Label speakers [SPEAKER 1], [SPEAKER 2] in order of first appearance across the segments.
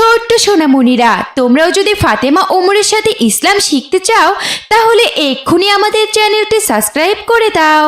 [SPEAKER 1] ছোট্ট সোনামণিরা, তোমরাও যদি ফাতেমা ওমরের সাথে ইসলাম শিখতে চাও তাহলে এক্ষুনি আমাদের চ্যানেলটি সাবস্ক্রাইব করে দাও।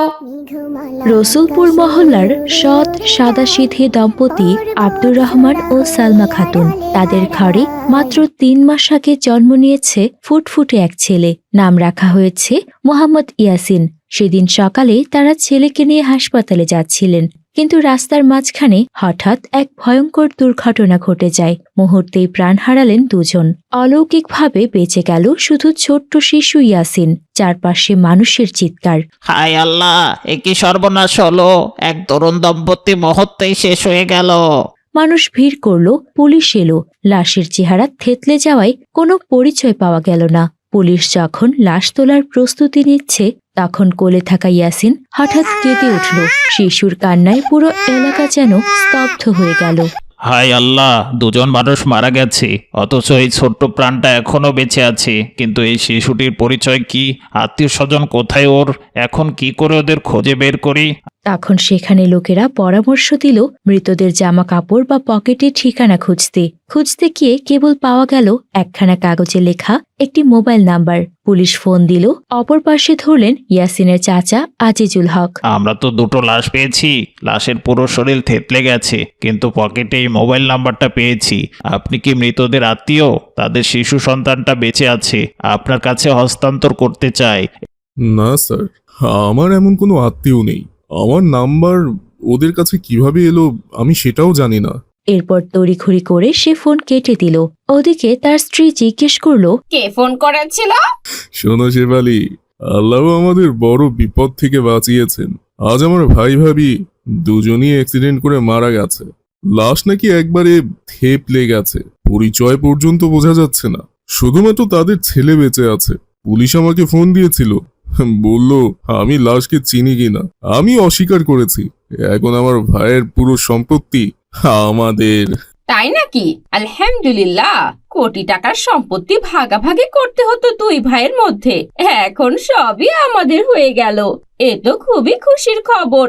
[SPEAKER 2] রসুলপুর মহল্লার সৎ সাদাসিধে দম্পতি আব্দুর রহমান ও সালমা খাতুন, তাদের ঘরে মাত্র ৩ মাস আগে জন্ম নিয়েছে ফুটফুটে এক ছেলে। নাম রাখা হয়েছে মোহাম্মদ ইয়াসিন। সেদিন সকালে তারা ছেলেকে নিয়ে হাসপাতালে যাচ্ছিলেন, কিন্তু রাস্তার মাঝখানে হঠাৎ এক ভয়ঙ্কর দুর্ঘটনা ঘটে যায়। মুহূর্তেই প্রাণ হারালেন দুজন। অলৌকিকভাবে বেঁচে গেল শুধু ছোট্ট শিশু ইয়াসিন। চারপাশে মানুষের চিৎকার।
[SPEAKER 3] হায় আল্লাহ, এ কি সর্বনাশ হলো! এক তরুণ দম্পতি মুহূর্তেই শেষ হয়ে গেল।
[SPEAKER 2] মানুষ ভিড় করল, পুলিশ এলো। লাশের চেহারা থেতলে যাওয়ায় কোনো পরিচয় পাওয়া গেল না। পুলিশ যখন লাশ তোলার প্রস্তুতি নিচ্ছে তখন কোলে থাকা ইয়াসিন হঠাৎ কেঁদে উঠল। শিশুর কান্নায় পুরো এলাকা যেন স্তব্ধ হয়ে গেল।
[SPEAKER 3] হায় আল্লাহ, দুজন মানুষ মারা গেছে, অথচ এই ছোট্ট প্রাণটা এখনো বেঁচে আছে। কিন্তু এই শিশুটির পরিচয় কি? আত্মীয় স্বজন কোথায় ওর? এখন কি করে ওদের খোঁজে বের করি?
[SPEAKER 2] তখন সেখানে লোকেরা পরামর্শ দিল মৃতদের জামা কাপড় বা পকেটে ঠিকানা খুঁজতে গিয়ে কেবল পাওয়া গেল একখানা কাগজে লেখা একটি মোবাইল নাম্বার। পুলিশ ফোন দিল। অপর পাশে ধরলেন ইয়াসিনের চাচা আজিজুল হক।
[SPEAKER 3] আমরা তো দুটো লাশ পেয়েছি, লাশের পুরো শরীর থেতলে গেছে, কিন্তু পকেটে এই মোবাইল নাম্বারটা পেয়েছি। আপনি কি মৃতদের আত্মীয়? তাদের শিশু সন্তানটা বেঁচে আছে, আপনার কাছে হস্তান্তর করতে চায়।
[SPEAKER 4] না স্যার, আমার এমন কোনো আত্মীয় নেই। আমার নাম্বার ওদের কাছে কিভাবে এলো আমি সেটাও জানি না।
[SPEAKER 2] এরপর তড়িঘড়ি করে সে ফোন কেটে দিল। ওদিকে তার স্ত্রী জিজ্ঞেস করলো,
[SPEAKER 5] কে ফোন করেছিল?
[SPEAKER 4] শোনো শেফালি, আল্লাহ আমাদের বড় বিপদ থেকে বাঁচিয়েছেন। আজ আমার ভাই ভাবি দুজনই অ্যাক্সিডেন্ট করে মারা গেছে। লাশ নাকি একবারে থেপলে গেছে, পরিচয় পর্যন্ত বোঝা যাচ্ছে না। শুধুমাত্র তাদের ছেলে বেঁচে আছে। পুলিশ আমাকে ফোন দিয়েছিল, বলল আমি লাশকে চিনি কিনা। আমি অস্বীকার করেছি। এখন আমার ভাইয়ের পুরো সম্পত্তি আমাদের।
[SPEAKER 5] তাই নাকি? আলহামদুলিল্লাহ। কোটি টাকার সম্পত্তি ভাগাভাগি করতে হতো দুই ভাইয়ের মধ্যে, এখন সবই আমাদের হয়ে গেল। এ তো খুবই খুশির খবর।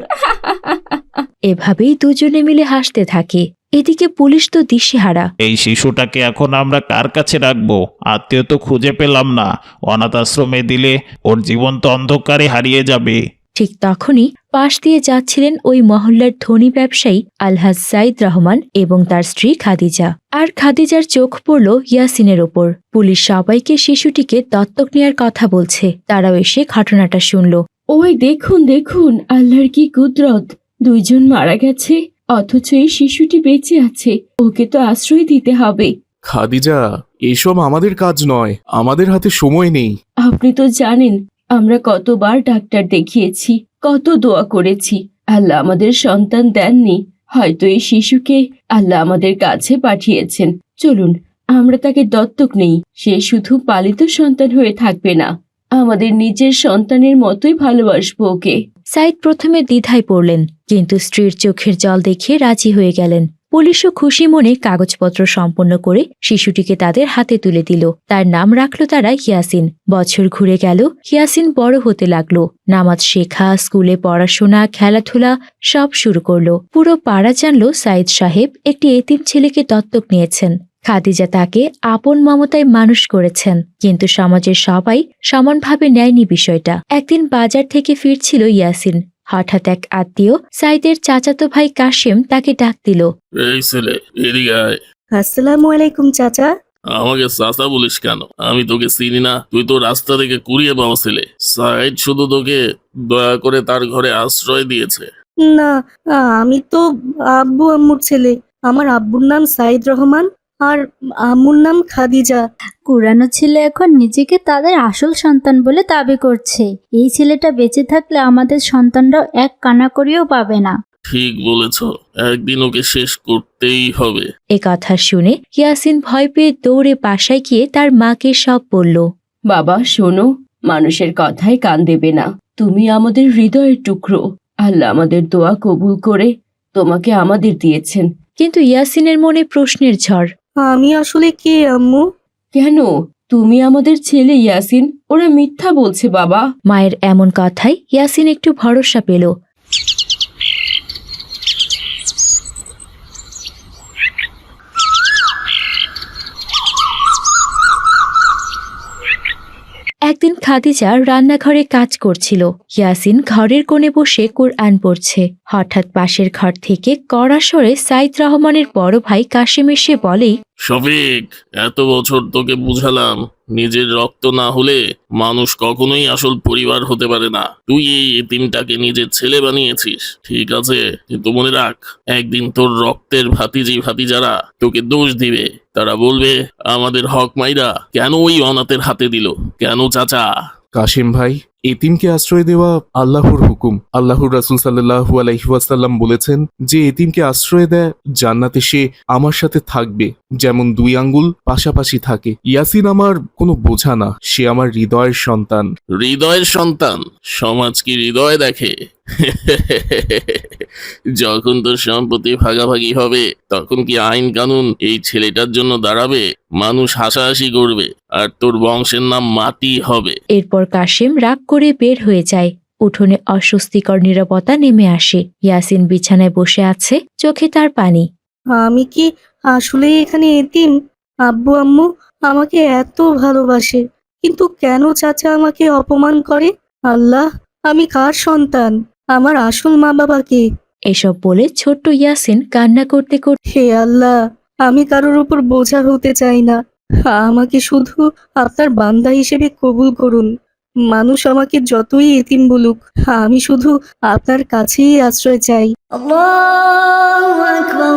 [SPEAKER 2] এভাবেই দুজনে মিলে হাসতে থাকে। এদিকে পুলিশ তো দিশেহারা।
[SPEAKER 3] এই শিশুটাকে এখন আমরা কার কাছে রাখবো? আত্মীয় তো খুঁজে পেলাম না। অনাথ আশ্রমে দিলে ওর জীবন তো অন্ধকারে হারিয়ে যাবে।
[SPEAKER 2] ঠিক তখনই পাশ দিয়ে যাচ্ছিলেন ওই মহল্লার ধনী ব্যবসায়ী আলহাজ সাইদ রহমান এবং তার স্ত্রী খাদিজা। আর খাদিজার চোখ পড়ল ইয়াসিনের ওপর। পুলিশ সবাইকে শিশুটিকে দত্তক নেয়ার কথা বলছে। তারাও এসে ঘটনাটা শুনল।
[SPEAKER 6] ওই দেখুন দেখুন, আল্লাহর কি কুদরত! দুইজন মারা গেছে, অথচ এই শিশুটি বেঁচে আছে। ওকে তো আশ্রয় দিতে হবে।
[SPEAKER 7] খাদিজা, এসব আমাদের কাজ নয়, আমাদের হাতে সময় নেই।
[SPEAKER 6] আপনি তো জানেন আমরা কতবার ডাক্তার দেখিয়েছি, কত দোয়া করেছি। আল্লাহ আমাদের সন্তান দেননি, হয়তো এই শিশুকে আল্লাহ আমাদের কাছে পাঠিয়েছেন। চলুন আমরা তাকে দত্তক নেই। সে শুধু পালিত সন্তান হয়ে থাকবে না, আমাদের নিজের সন্তানের মতোই ভালোবাসবো ওকে।
[SPEAKER 2] সাইদ প্রথমে দ্বিধায় পড়লেন, কিন্তু স্ত্রীর চোখের জল দেখে রাজি হয়ে গেলেন। পুলিশও খুশি মনে কাগজপত্র সম্পন্ন করে শিশুটিকে তাদের হাতে তুলে দিল। তার নাম রাখলো তারা ইয়াসিন। বছর ঘুরে গেল, ইয়াসিন বড় হতে লাগলো। নামাজ শেখা, স্কুলে পড়াশোনা, খেলাধুলা সব শুরু করলো। পুরো পাড়া জানলো সাইদ সাহেব একটি এতিম ছেলেকে দত্তক নিয়েছেন। খাদিজা তাকে আপন মমতায় মানুষ করেছেন, কিন্তু সমাজের সবাই সমানভাবে নেয়নি বিষয়টা। একদিন বাজার থেকে ফিরছিল ইয়াসিন। হঠাৎ এক আত্মীয় সাইদের চাচাতো ভাই কাশেম তাকে ডাক দিল।
[SPEAKER 8] এই ছেলে, এদিকে আয়।
[SPEAKER 9] আসসালামু আলাইকুম চাচা।
[SPEAKER 8] আমাকে চাচা বলিস কেন? আমি তোকে চিনি না? তুই তো রাস্তা থেকে কুড়িয়ে পাওয়া ছেলে। সাইদ শুধু তোকে দয়া করে তার ঘরে আশ্রয় দিয়েছে।
[SPEAKER 9] না, আমি তো আব্বু আম্মুর ছেলে। আমার আব্বুর নাম সাইদ রহমান আর আম্মুর নাম খাদিজা।
[SPEAKER 10] কুরানো ছেলে এখন নিজেকে তাদের আসল সন্তান বলে দাবি করছে। এই ছেলেটা বেঁচে থাকলে আমাদের সন্তানরাও এক কানাকড়িও পাবে না।
[SPEAKER 8] ঠিক বলেছ, একদিন ওকে শেষ করতেই হবে।
[SPEAKER 2] এ কথা শুনে ইয়াসিন ভয় পেয়ে দৌড়ে বাসায় গিয়ে তার মাকে সব বলল।
[SPEAKER 6] বাবা শোনো, মানুষের কথায় কান দেবে না। তুমি আমাদের হৃদয়ের টুকরো। আল্লাহ আমাদের দোয়া কবুল করে তোমাকে আমাদের দিয়েছেন।
[SPEAKER 2] কিন্তু ইয়াসিনের মনে প্রশ্নের ঝড়।
[SPEAKER 9] আমি আসলে কে আম্মু?
[SPEAKER 6] কেন? তুমি আমাদের ছেলে ইয়াসিন। ওরা মিথ্যা বলছে বাবা।
[SPEAKER 2] মায়ের এমন কথায় ইয়াসিন একটু ভরসা পেল। খাদিজা রান্নাঘরে কাজ করছিল। ইয়াসিন ঘরের কোণে বসে কুরআন পড়ছে। হঠাৎ পাশের ঘর থেকে কড়া স্বরে সাইদ রহমানের বড় ভাই কাশেম এসে বলে,
[SPEAKER 8] শফিক, এত বছর তোকে বুঝালাম নিজের রক্ত না হলে মানুষ কখনোই আসল পরিবার হতে পারে না। তুই এই এতিমটাকে নিজের ছেলে বানিয়েছিস, ঠিক আছে, কিন্তু মনে রাখ, একদিন তোর রক্তের ভাতিজারা তোকে দোষ দিবে। তারা বলবে আমাদের হক মাইরা কেন ওই অনাথের হাতে দিল, কেন চাচা?
[SPEAKER 7] কাশেম ভাই, এতিমকে আশ্রয় দেওয়া আল্লাহর হুকুম। আল্লাহর রাসূল সাল্লাল্লাহু আলাইহি ওয়াসাল্লাম বলেছেন যে এতিমকে আশ্রয় দেয় জান্নাতে সে আমার সাথে থাকবে, যেমন দুই আঙ্গুল পাশাপাশি থাকে। ইয়াসিন আমার কোনো বোঝা না, সে আমার হৃদয়ের সন্তান।
[SPEAKER 8] হৃদয়ের সন্তান? সমাজ কি হৃদয় দেখে? যখন তোর সম্পত্তি ভাগাভাগি হবে তখন কি আইন কানুন এই ছেলেটার জন্য দাঁড়াবে? মানুষ হাসাহাসি করবে আর তোর বংশের নাম মাটি হবে।
[SPEAKER 2] এরপর কাশেম রাগ করে বের হয়ে যায়। উঠোনে অস্বস্তিকর নীরবতা নেমে আসে। ইয়াসিন বিছানায় বসে আছে, চোখে তার পানি।
[SPEAKER 9] আমি কি আসলে এখানে এতিম? আব্বু আম্মু আমাকে এত ভালোবাসে, কিন্তু কেন চাচা আমাকে অপমান করে? আল্লাহ, আমি কার সন্তান? আমার আসল মা বাবা কে?
[SPEAKER 2] এসব বলে ছোট্ট ইয়াসিন কান্না করতে করতে
[SPEAKER 9] হে আল্লাহ, আমি কারোর উপর বোঝা হতে চাই না। আমাকে শুধু আপনার বান্দা হিসেবে কবুল করুন। মানুষ আমাকে যতই এতিম বলুক, আমি শুধু আপনার কাছেই আশ্রয় চাই। আল্লাহু আকবার,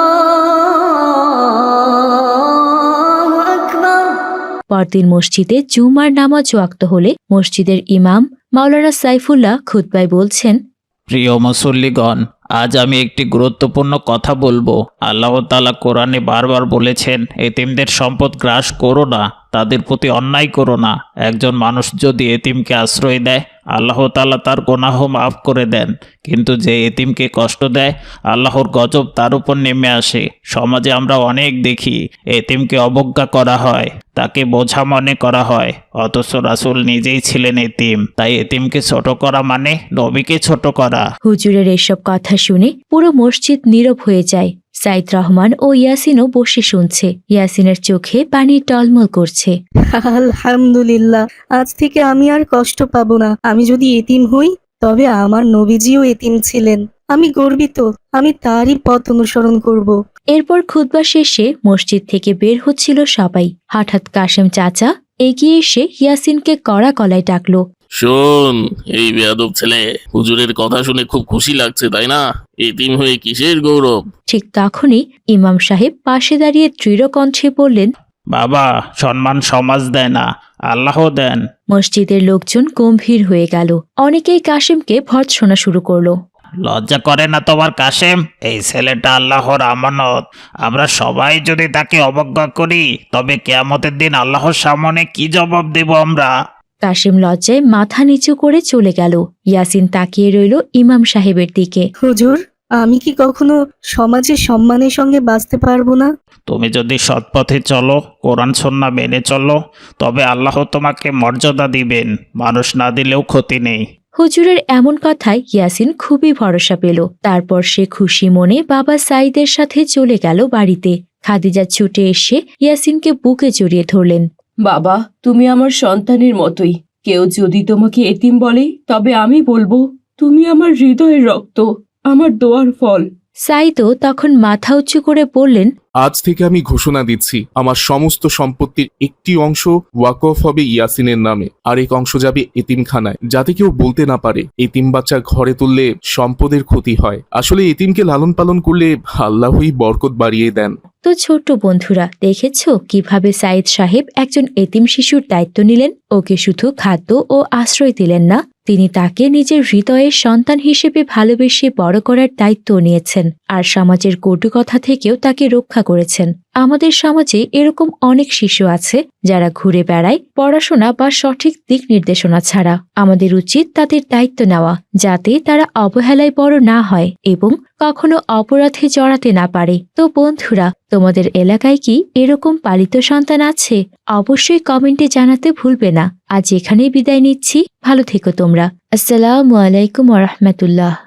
[SPEAKER 9] আল্লাহু আকবার।
[SPEAKER 2] পরদিন মসজিদে জুমার নামাজ ওয়াক্ত হলে মসজিদের ইমাম মাওলানা সাইফুল্লাহ খুতবায় বলছেন,
[SPEAKER 3] প্রিয় মুসল্লিগণ, আজ আমি একটি গুরুত্বপূর্ণ কথা বলবো। আল্লাহ তাআলা কোরআনে বারবার বলেছেন, এতিমদের সম্পদ গ্রাস করো না, তাদের প্রতি অন্যায় করো না। একজন মানুষ যদি এতিমকে আশ্রয় দেয়, আল্লাহ তাআলা তার গুনাহ মাফ করে দেন, কিন্তু যে এতিমকে কষ্ট দেয়, আল্লাহর গজব তার উপর নেমে আসে। সমাজে আমরা অনেক দেখি, এতিমকে অবজ্ঞা করা হয়, তাকে বোঝা মনে করা হয়, অথচ রাসূল নিজেই ছিলেন এতিম। তাই এতিমকে ছোট করা মানে নবীকে ছোট করা।
[SPEAKER 2] হুজুরের এসব কথা শুনে পুরো মসজিদ নীরব হয়ে যায়। সাইদ রহমান ও ইয়াসিনও বসে শুনছে। ইয়াসিনের চোখে পানি টলমল করছে।
[SPEAKER 9] আলহামদুলিল্লাহ, আজ থেকে আমি আর কষ্ট পাবো না। আমি যদি এতিম হই, তবে আমার নবীজিও এতিম ছিলেন। আমি গর্বিত, আমি তারই পথ অনুসরণ করব।
[SPEAKER 2] এরপর খুতবা শেষে মসজিদ থেকে বের হচ্ছিল সবাই। হঠাৎ কাশেম চাচা এগিয়ে এসে ইয়াসিনকে কড়া গলায় ডাকলো।
[SPEAKER 8] শোন, এই বেয়াদব ছেলে, হুজুরের কথা শুনে খুব খুশি লাগছে তাই না? এতিম হয়ে কিসের গৌরব?
[SPEAKER 2] ঠিক তখনই ইমাম সাহেব পাশে দাঁড়িয়ে দৃঢ় কণ্ঠে বললেন,
[SPEAKER 3] বাবা, সম্মান সমাজ দেয় না, আল্লাহ দেন।
[SPEAKER 2] মসজিদের লোকজন গম্ভীর হয়ে গেল। অনেকেই কাশেমকে ভর্ৎসনা শুরু করলো।
[SPEAKER 3] লজ্জা করে না তোমার কাশেম? এই ছেলেটা আল্লাহর আমানত। আমরা সবাই যদি তাকে অবজ্ঞা করি, তবে কিয়ামতের দিন আল্লাহর সামনে কি জবাব দেব আমরা?
[SPEAKER 2] কাশেম লজ্জায় মাথা নিচু করে চলে গেল। ইয়াসিন তাকিয়ে রইল ইমাম সাহেবের দিকে।
[SPEAKER 9] হুজুর, আমি কি কখনো সমাজে সম্মানের সঙ্গে বাঁচতে পারবো না?
[SPEAKER 3] তুমি যদি সৎপথে চলো, কোরআন সুন্নাহ মেনে চলো, তবে আল্লাহ তোমাকে মর্যাদা দিবেন। মানুষ না দিলেও ক্ষতি নেই।
[SPEAKER 2] হুজুরের এমন কথায় ইয়াসিন খুবই ভরসা পেল। তারপর সে খুশি মনে বাবা সাইদের সাথে চলে গেল বাড়িতে। খাদিজা ছুটে এসে ইয়াসিনকে বুকে জড়িয়ে ধরলেন।
[SPEAKER 6] বাবা, তুমি আমার সন্তানের মতোই। কেউ যদি তোমাকে এতিম বলে, তবে আমি বলবো তুমি আমার হৃদয়ের রক্ত, আমার দোয়ার ফল।
[SPEAKER 2] সাইদও তখন মাথা উঁচু করে বললেন,
[SPEAKER 7] আজ থেকে আমি ঘোষণা দিচ্ছি, আমার সমস্ত সম্পত্তির একটি অংশ ওয়াকফ হবে ইয়াসিনের নামে, আরেক অংশ যাবে এতিমখানায়, যাতে কেউ বলতে না পারে এতিম বাচ্চা ঘরে তুললে সম্পদের ক্ষতি হয়। আসলে এতিমকে লালন পালন করলে আল্লাহই বরকত বাড়িয়ে দেন।
[SPEAKER 2] তো ছোট্ট বন্ধুরা, দেখেছো কিভাবে সাইদ সাহেব একজন এতিম শিশুর দায়িত্ব নিলেন? ওকে শুধু খাদ্য ও আশ্রয় দিলেন না, তিনি তাকে নিজের হৃদয়ের সন্তান হিসেবে ভালোবেসে বড় করার দায়িত্ব নিয়েছেন, আর সমাজের কটু কথা থেকেও তাকে রক্ষা করেছেন। আমাদের সমাজে এরকম অনেক শিশু আছে যারা ঘুরে বেড়ায় পড়াশোনা বা সঠিক দিক নির্দেশনা ছাড়া। আমাদের উচিত তাদের দায়িত্ব নেওয়া, যাতে তারা অবহেলায় বড় না হয় এবং কখনো অপরাধে জড়াতে না পারে। তো বন্ধুরা, তোমাদের এলাকায় কি এরকম পালিত সন্তান আছে? অবশ্যই কমেন্টে জানাতে ভুলবে না। আজ এখানেই বিদায় নিচ্ছি। ভালো থেকো তোমরা। আসসালামু আলাইকুম ওয়া রাহমাতুল্লাহ।